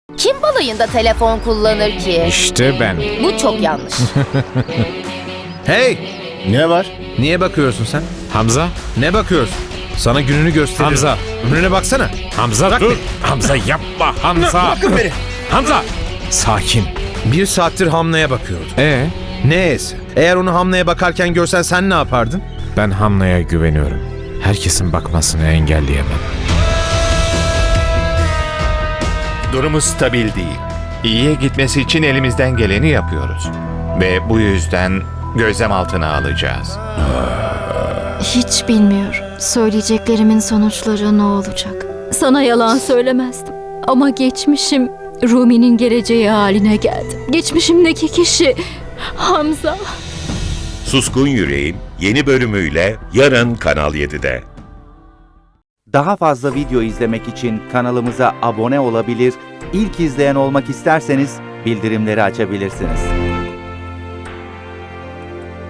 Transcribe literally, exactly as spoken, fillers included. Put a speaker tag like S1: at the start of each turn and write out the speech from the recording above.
S1: Kim balayında telefon kullanır ki?
S2: İşte ben.
S1: Bu çok yanlış.
S3: Hey!
S4: Ne var?
S3: Niye bakıyorsun sen?
S2: Hamza,
S3: Ne bakıyorsun? Sana gününü gösteririm.
S2: Hamza.
S3: Önüne baksana.
S2: Hamza
S3: Bırak
S2: dur.
S3: beni.
S2: Hamza yapma Hamza.
S3: Bırakın beni.
S2: Hamza. Sakin.
S3: Bir saattir Hamle'ye bakıyordum.
S2: Ee,
S3: Ne esi? Eğer onu Hamle'ye bakarken görsen sen ne yapardın?
S2: ben Hamle'ye güveniyorum. Herkesin bakmasını engelleyemem.
S5: Durumu stabil değil. İyiye gitmesi için elimizden geleni yapıyoruz. Ve bu yüzden gözlem altına alacağız.
S6: Hiç bilmiyorum. Söyleyeceklerimin sonuçları ne olacak? Sana yalan söylemezdim. Ama geçmişim Rumi'nin geleceği haline geldi. Geçmişimdeki kişi Hamza.
S7: Suskun Yüreğin yeni bölümüyle yarın Kanal yedide.
S8: Daha fazla video izlemek için kanalımıza abone olabilir, ilk izleyen olmak isterseniz bildirimleri açabilirsiniz.